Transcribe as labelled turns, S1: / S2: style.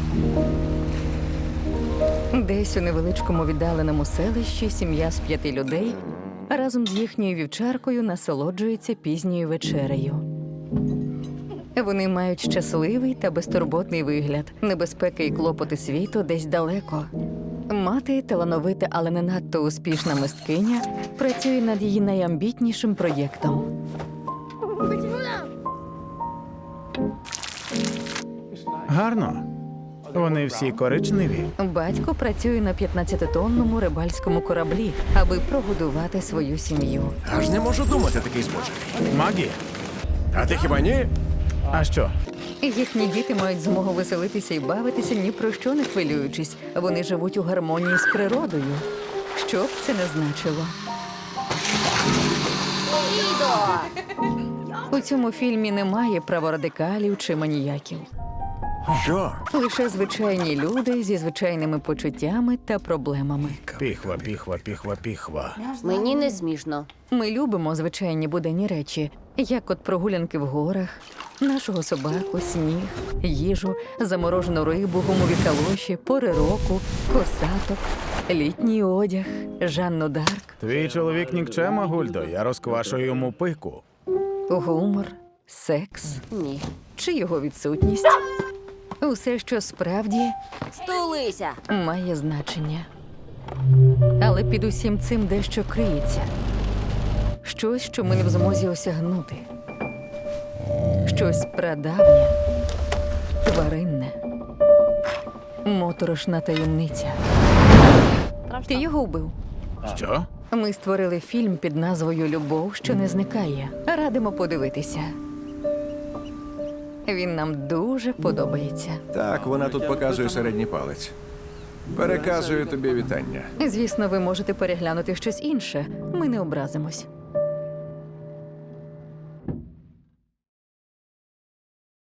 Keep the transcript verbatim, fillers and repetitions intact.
S1: Десь у невеличкому віддаленому селищі сім'я з п'яти людей разом з їхньою вівчаркою насолоджується пізньою вечерею. Вони мають щасливий та безтурботний вигляд. Небезпеки і клопоти світу десь далеко. Мати, талановита, але не надто успішна мисткиня, працює над її найамбітнішим проєктом.
S2: Гарно. Вони всі коричневі.
S1: Батько працює на п'ятнадцятитонному рибальському кораблі, аби прогодувати свою сім'ю.
S3: Аж не можу думати такий збочений.
S2: Магі.
S3: А ти хіба ні?
S2: А що?
S1: Їхні діти мають змогу веселитися і бавитися, ні про що не хвилюючись. Вони живуть у гармонії з природою. Що б це не значило. У цьому фільмі немає праворадикалів чи маніяків.
S3: Що?
S1: Лише звичайні люди зі звичайними почуттями та проблемами.
S2: Піхва, піхва, піхва, піхва.
S4: Мені не смішно.
S1: Ми любимо звичайні буденні речі, як от прогулянки в горах, нашого собаку, сніг, їжу, заморожену рибу, гумові калоші, пори року, косаток, літній одяг, Жанну Дарк,
S2: Твій чоловік нікчема, Гульдо, я розквашую йому пику.
S1: гумор, секс
S4: Ні.
S1: чи його відсутність. Усе, що справді
S4: Стулися!
S1: має значення. Але під усім цим дещо криється. Щось, що ми не в змозі осягнути. Щось прадавнє, тваринне, моторошна таємниця. Ти його вбив.
S2: Що?
S1: Ми створили фільм під назвою «Любов, що не зникає». Радимо подивитися. Він нам дуже подобається.
S3: Так, вона тут показує середній палець. Переказую тобі вітання.
S1: Звісно, ви можете переглянути щось інше. Ми не образимось.